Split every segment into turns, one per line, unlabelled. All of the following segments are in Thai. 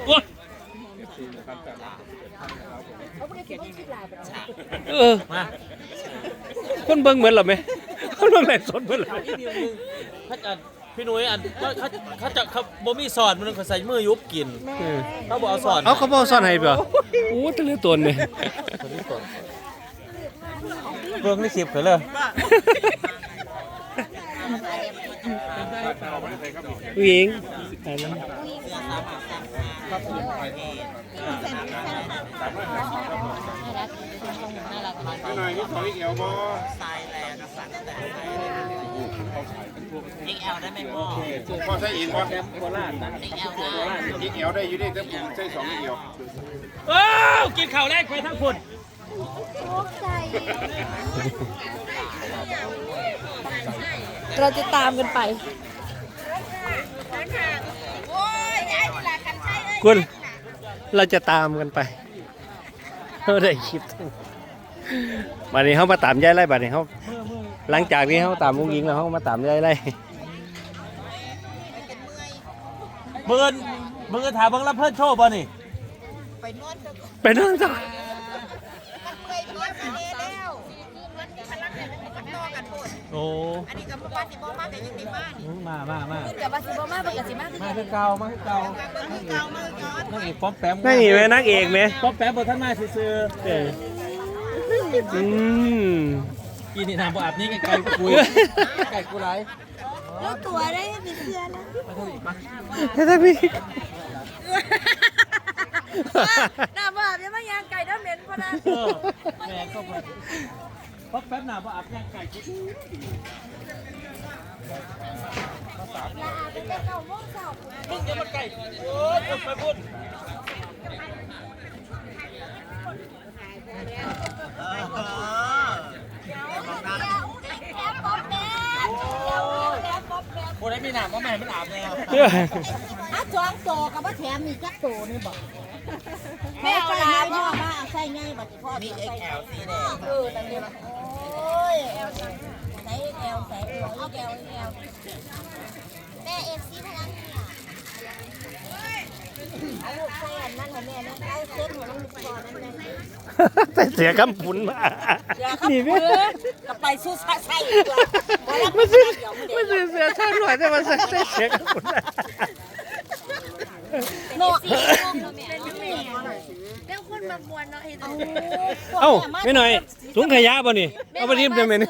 มาคนเบิ่งเหมือนหรอไหมคนเบิ่งไหนสดเหมือนหรอถ้าจะพี่นุ้ยอันเขาจะเขาบ่มีสอนมันเขาใส่มือยุบกินเขาบอกเอาสอนเขาบอกสอนให้เปล่าโอ้ทะเลตัวนี่เบิ่งในคลิปเขาเลยผู้หญิง
หน่อยนี่ขออีกเอวบ่
ทรายแรงสั่นแต่อีกแอลได้ไหมพ่อ
พ่อใช้อีกบ่
อีกแอลได้
อีกเอวได้อยู่ดิแต่ผมใช้2อีกเอว
กินข้าวแรกไปทั้งคน
เราจะตามกันไป
คุณเราจะตามกันไปเราได้คลิปบัดนี้เขามาตามยายไร่บัดนี้เขาหลังจากนี้เขาตามวงยิงแล้วเขามาตามยายไร่เบิ่งถามเบิ่งรับเพิ่นโชว์ป่ะนี่ไปนอนจ้ะโอ้อันนี้ก็มาสิบ่มาแต่ยังได้มานี่มาเดี๋ยวมาสิบ่มาเบิ่งกันสิมาคือเก่านักเอกป๊อปแปมนักเอกไหมนักเอกไหมป๊อปแปมบ่ทันมาซื่อกินนี่น้ำบ่อาบนี่ไก่คุยไก่กูไร
แล้วตัวได้มีเสื้อแล้ว
ถ้าพี่
น้ำบ่อาบยังไม่ยางไก่น้ำเหม็นพอนะ
แม่ก็ป๊อปแปมน้ำบ่อาบย่างไก่กูมึงจะมาไก่โอ้ยไปพูดคนไหนมีหนามก็ไม่ให้มันอาบเลย
จ้องโตกับว่าแถมมีจักโตนี่บอกแม่เอาลาพ่อมาใส่ง่ายบัดพ่อ
มีเอ็กแอลสีแดง
นั่นเองโอ้ยแอลใส่แอลแม่เอฟซีพลังเอาลูกใส่อันนั้นให้แม่นะเอาเส้นของลูกคอนั้นนะ
แต่เสียคำผุนมา
นี่แม่กับไปสู้ใส่ตัว
ไม่เสียช่างหน่อยแต่มันเสียคำผุน
โน่เป็นคนมาบวนเนาะ
เอ้าไม่หน่อยถุงขยะป่ะนี่เอาไปทิ้งได้ไหมนี่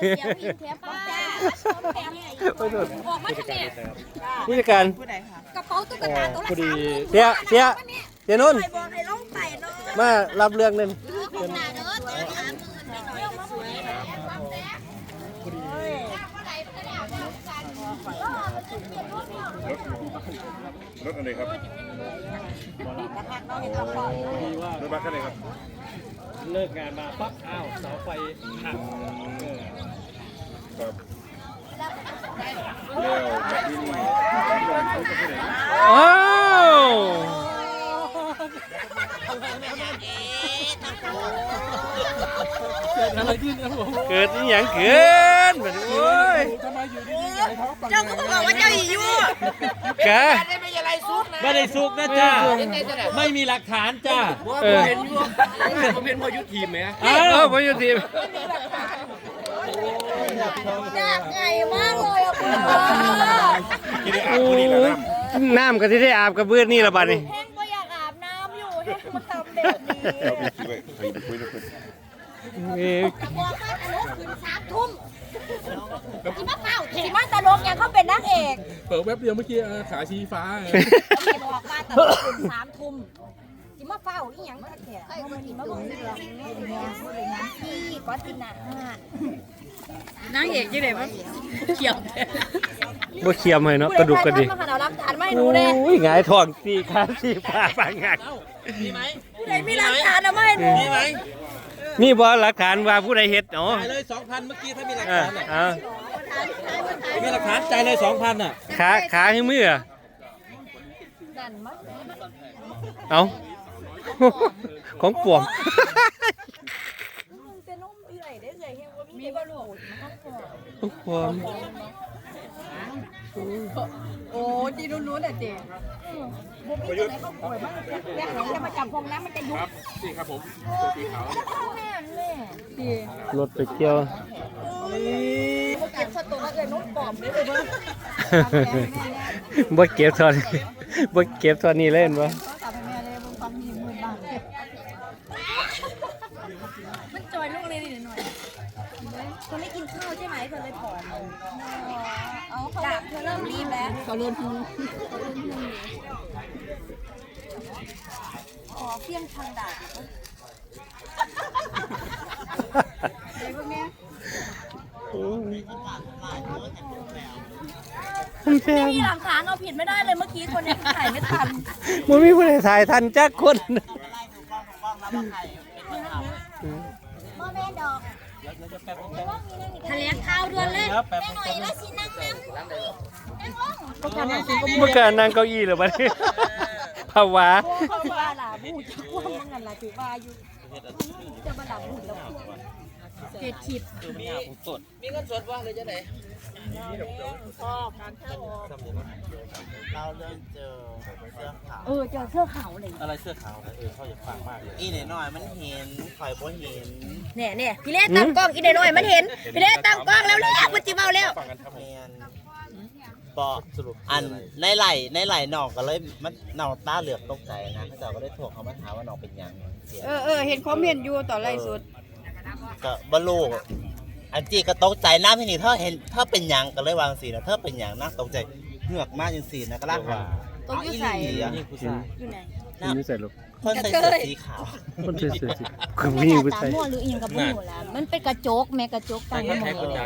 ผู้จัดการ
กระเป๋าตุ๊กตาตัวละ
เสียนุ่นมารับเรื่องนึง
รถอะไรครับรถบัสอะไรครับ
เลิกงานมาปั๊บอ้าวเสาไฟหัก
ครับแล้วที่นี่
อ้าวเกิดอะไรขึ้นครับผมเกิดนี่อย่างเกินแบบโอ้ย
เจ้าก็บอกว่าเจ้าอยู่
แก
ไม่ใช่ไรซุกนะ
ไม่ได้ซุกนะจ้าไม่มีหลักฐานจ้า
ผมเป็นพอยุทีมไหม
พอยุทีม
ยากไงมากเลยอ่ะ
คุณน้ำก็ที่ได้อาบกับเบื้อนี่ละบัดนี่
แห้งก็อยากอาบน้ำอยู่แห้งมาทำแบบนี้บอกว่าตลกขึ้น3 ทุ่มที่มาเป่าที่มาตลกยังเขาเป็นนักเอก
เปิดแว็บเดียวเมื่อกี้ขาชี้ฟ้า
บอกว่าตลกขึ้น3 ทุ่มที่มาเฝ้าอีหยังแท้ๆมาดีมาบ่งเรื่องที่ก็ติน่ะนางเอกยังไงวะเขียว
บ่เขียมให้เนาะกระดูกกระดิก
โอ้
ยหงายท้องตีขาตีฟ้าปังงัก
มีไหม
ผู้ใดมีหลักฐานเอามาให้หนู
มีไหม
มีบ่หลักฐานว่าผู้ใดเฮ็ดเนาะ
จ่ายเลย 2,000 เมื่อกี้ถ้ามีหลักฐานมีหลักฐานจ่ายเลย 2,000 อ่ะ
ขาให้มือเอาของปวง
มีบ่ลูก
ของปวง
โอ้จีนู้นๆอ่ะเจ๊บุกมีอะไรเขาป่วยมากแม่จะมาจับพงน้ำมันจะยุบ
ครับนี่ครับผมตัวสีขาว
แม่แม่ดี
รถไปเกี่ยว
เขาเก็บสตูแล้วเลยนุ่มปอบเลยเบ้อ
บ่เก็บเท่านี้บ่เก็บเท่านี้เล่นบ่
เขาตามแม่เลยมึงฟังมีหมื่นบาทมันจอยลูกเลยนิดหน่อยเธอไม่กินข้าวใช่ไหมเธอเลยผอมเอาเขาเธอเริ่มรีบแล้วเขาเริ่มหิวขอเพี้ยงทางด่าอะไรพวกเนี้ยไม่มีหลักฐานเอาผิดไม่ได้เลยเมื่อกี้คนนี้ถ่ายไม่ทัน
มันมีผู้ใดถ่ายทันจักคน
พ่อแม่ดอกทะเลข้าวด่วนเลยแม่หน่อยแล้วสินั่งน้ำนั่งลง
เมื่อการนั่งเก้าอี้เหรอบัดนี้ภาวะ
เขาถือว่าหลาบูจะคว่ำมึงกันละถือว่าอยู่จะมาหลาบูแล้วเกตขีด
มีเงินสดว่าเลยจะไหน
เราเริ่มเจอเสื้อขาว
เจอเสื้อขาวเลย
อะไรเสื้อขาวนะเขาอยากฟังมากเลย
อีหน่อยมันเห็นข่อยบ่เห็น
เนี่ยพี่เล่ตั้งกล้องอีเดน้อยมันเห็นพี่เล่ตั้งกล้องแล้วมันจิเมาแล้ว
แมนปอสรุปอันในไหลหนองก็เลยมันหนองตาเหลือกตกใจนะเขาเจ้าก็ได้โทรเขามาถามว่าหนองเป็นหยังเสีย
เห็นคอมเมนต์อยู่ต่อไล่สุด
ก็บ่รู้อันจีก็ตกใจน้ำที่นี่เธอเห็นเธอเป็นหยังก็เลยวางสีนะเธอเป็นหยังน่าตกใจเหงือกมากจนสีนะก็ล่างหัน
ตกอยู่ใส่
นี่ผู้ชาย
อยู่ไหน
นี่ใส่ลูก
คนใส่เสื้อสีขาว
คนสวยๆคือผู้หญิงผู้ชาย
มั่วหรืออีหยังกับมั่วล่ะมันเป็นกระจกแม่กระจกตั้ง
ใครคนจาก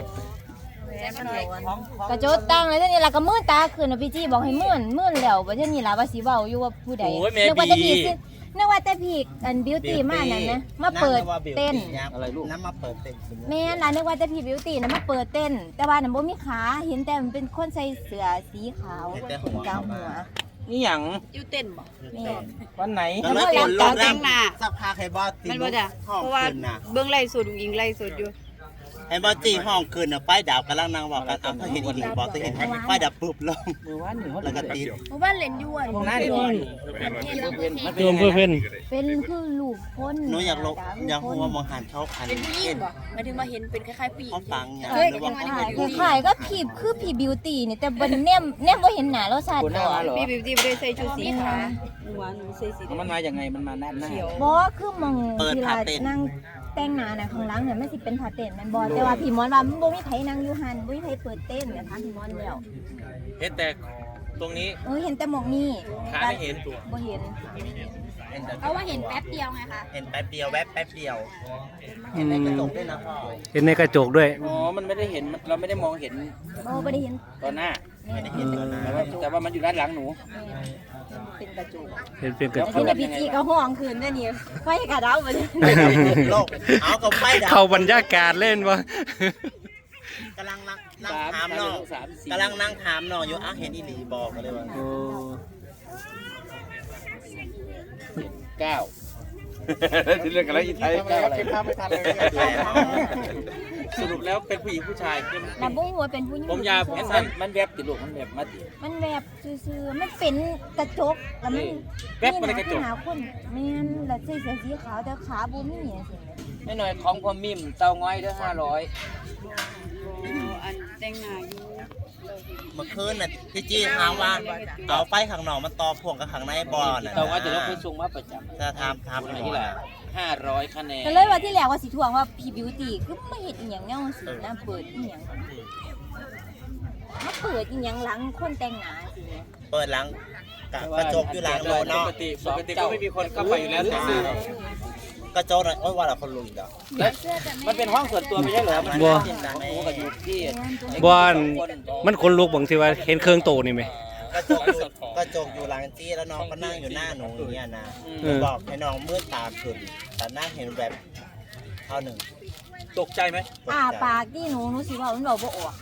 กระโจดตั้งเลยทีนี้ล่ะก็มื่นตาขึ้นนะพี่จี้บอกให้มื่นแล้วว่าเท่านี้ล่ะว่าสิเว้าอยู่ว่าผู้ใดนึกว่าแต่พี่อันบิวตี้มานั่นนะมาเปิดเต้น
อะไรลูกน้ำมาเปิดเต้น
แม่ล่ะนึกว่าแต่พี่บิวตี้นะมาเปิดเต้น แต่ว่าน่ะบ่มีขาเห็นแต่มันเป็นคนใส่เสื้อสีขาวกลางหัว
นี่หยัง
อยู่เต้นบ่
แม่
วันไหน
แล้วไม่ปวดลงน้ำสักพักให้บอสตี
มันบ่จ้ะ
ห้อง
เพราะว่า
คืนน่ะ
เบิ่งไล่สดอุ้งอิงไล่สดอยู่
ให้บอสตีห้องคืนน่ะป้ายดาวกำลังนั่งบอกกันเอาเธอเห็นอีกบอสเธอเห็นป้ายดับปุ๊บลง
มือว่านหนึ่งเขา
แล้วก็ตี
เพราะว่าเล่นอยู่อ่ะ
ตรงหน้าดิ
รวมเพื่อเพิ่น
เป็นคือลูกคน
หนูอยากลงอยากหัวมองหันเขาพัน
เป็นผู้หญิงบ่หมายถึงว่าเห็นเป็นคล้ายๆผู้หญิง
เขาฟังอย่าง
เฮ้ย
หรือว่าเขา
คือขายก็ผีคือผีบิวตี้นี่แต่บนแนมบ่เห็นหน้าเราสัต
คน
ว์
หน้ามาเหรอ
พี่บิวตี้บ่ได้ใส่ชุดสีขาวหนูใส่สี
มันมาอย่างไงมันมาด้านหน้า
เขียว
บ่คือมองที่เรานั่งแต่งหน้าน่ะข้างหลังเนี่ยมันสิเป็นผ้าเต้นแม่นบ่แต่ว่าพี่มอนว่ามันบ่มีไผนั่งอยู่หั่นบ่มีไผเปิดเต้นเนี่ยถามพี่มอนแล้ว
เห็นแต่ตรงนี้
เห็นแต่หมองนี่
ขาไม่เห็นตัว
บ่เห็นเอาว่าเห็นแป๊บเดียวไงคะ
เห็นแป๊บเดียวแวบแป๊บเดียว เห็นในกระจกด้วยนะพ่อ
เห็นในกระจกด้วย
อ๋อมันไม่ได้เห็นเราไม่ได้มองเห็น
บ่ได้เห็น
ตอนหน้า
ไม่ได้เห็นตัวนะ
แต่ว่ามันอยู่ด้านหลังหนู
เป็นกระจก
เห็นเป็นกระจ
ที่
ก
ในพิธีก็ห้องคืนได้นี่ไฟกระดาวบ่ได้
โลกเอากับไฟดับ
เข้าบรรยากาศเล่นบ่
กำลังนั่งถามน้องกำลังนั่งถามน้องอยู่อ่ะเห็นอีหลีบอกมาเลยว่า
โอ้
เก้าที่เรื่องอะไรอีไทยเก้าอะไร
ภาพไม่ทันเลย
สรุปแล้วเป็นผู้หญิงผู้ชาย
แล้วบ่ฮู้ว่าเป็นผู้หญิง
ผมยาวผมสั้นมันแวบติดลูกมันแวบมาติ
มันแบบซื่อๆมันเป็นกระจกแล้วมัน
แวบมาในกระจก
หาคนแม่นแล้วใส่เสื้อสีขาวแต่ขาบ่มีจังซี่
ไม่หน่อยของพอมิมเตาง้อยเด้อ500
อันแต่งหน้าอยู่
เมื่อคืนน่ะพี่จี้ถามว่าเอาไฟข้างนอกมันต่อพ่วงกับข้างในบอลน่ะ
เตาง้อยจะลบไปส่งมาประจำ
จะทำ
ที่ละ500คะแนน
ก็เลยว่าที่แรกว่าสิทวงว่าพี่บิวตี้คือมาเฮ็ดอีหยังแนวสินะเปิดอีหยังมาเปิดอีหยังหลังคนแต่งหน้าสิเนี่ย
เปิดหลังกระจกอยู่หลังรถเนาะ
ปกติก็ไม่มีคนเข้าไปอยู่แล้วแต่
กระจกน่ะโอ้ยว่าเราคนลุยดอก
มันเป็นห้องส่วนตัวไม่ใช่เหรอ มัน
บ่
หมูกับอยู่ที่
บ่อนมันคนลุกบางทีว่าเห็นเครื่องโตนี่ไหม
กระจกอยู่หลังจี้แล้วน้องก็นั่งอยู่หน้าหนูอย่างเงี้ยนะ
อืม
บอกให้น้องมืดตาขึ้นแต่หน้าเห็นแบบเท่าหนึ่ง
ตกใจไหม
ปากที่หนูสิว่ามันเว้าบ่ออก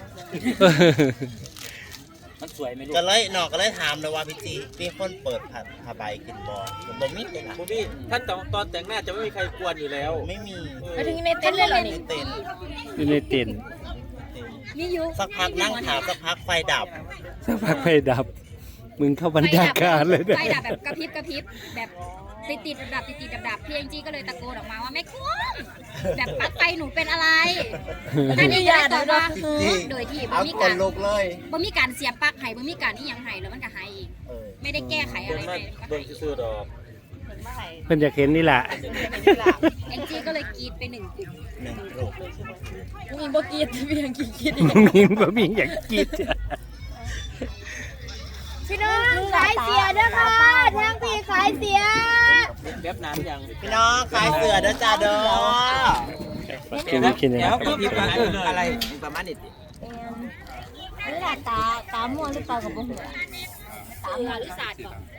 มันสวยไหมลูก
ก็เลยน้องก็เลยถามเลยว่าพี่จีมีคนเปิดผ้าใบกินบ่มีเลยนะ
คุณพี่ท่านตอนแต่งหน้าจะไม่มีใครกวนอยู่แล้ว
ไม่มี
มาถึงในเต้นเลยเหรอนี่
เต็น
อยู่ในเต็นท์
มีอยู่
สักพักนั่งถามสักพักไฟดับ
สักพักไฟดับ มึงเข้าบรรยากาศเลยเนี่ย
ไฟดับแบบกระพริบแบบติดดับพี่แองจี้ก็เลยตะโกนออกมาว่าแม่คุ้มแบบปลั๊กไฟหนูเป็นอะไรอันนี้ก็เลยตอบว่าโดยที่บ่
เอา
มี
ค
กาน ร
ลุกเลย
บ่มีการเสียบปลั๊กให้บ่มีการนี่ยังให้แล้วมันก็หายเอง
เออ
ไม่ได้แก้ไขอะไรไป
เบิ่งซื่อๆดอกเพิ่นอยากเห็นนี่แหละ
แองจี้ก็เลยกรีดไป1 กลุ่ม
หนึ่งกลุ่ม
กูอิงบ่กรีดพี่แองจี้กรีด
มึงมีบ่มีอยากกิน
พี่น้องขายเสียเด้อค่ะทางพี่ขายเสีย
แบบน้ำยัง
พี่น้องขายเสือเด้อจ้าเด้อ
กินกิน
เดี๋ยวก็พิมพ์อะไรประมาณนี้
นี่แหละตาม่วงหรือตากับบ่หัวตาม่วงหรือศาสตร์ก่อน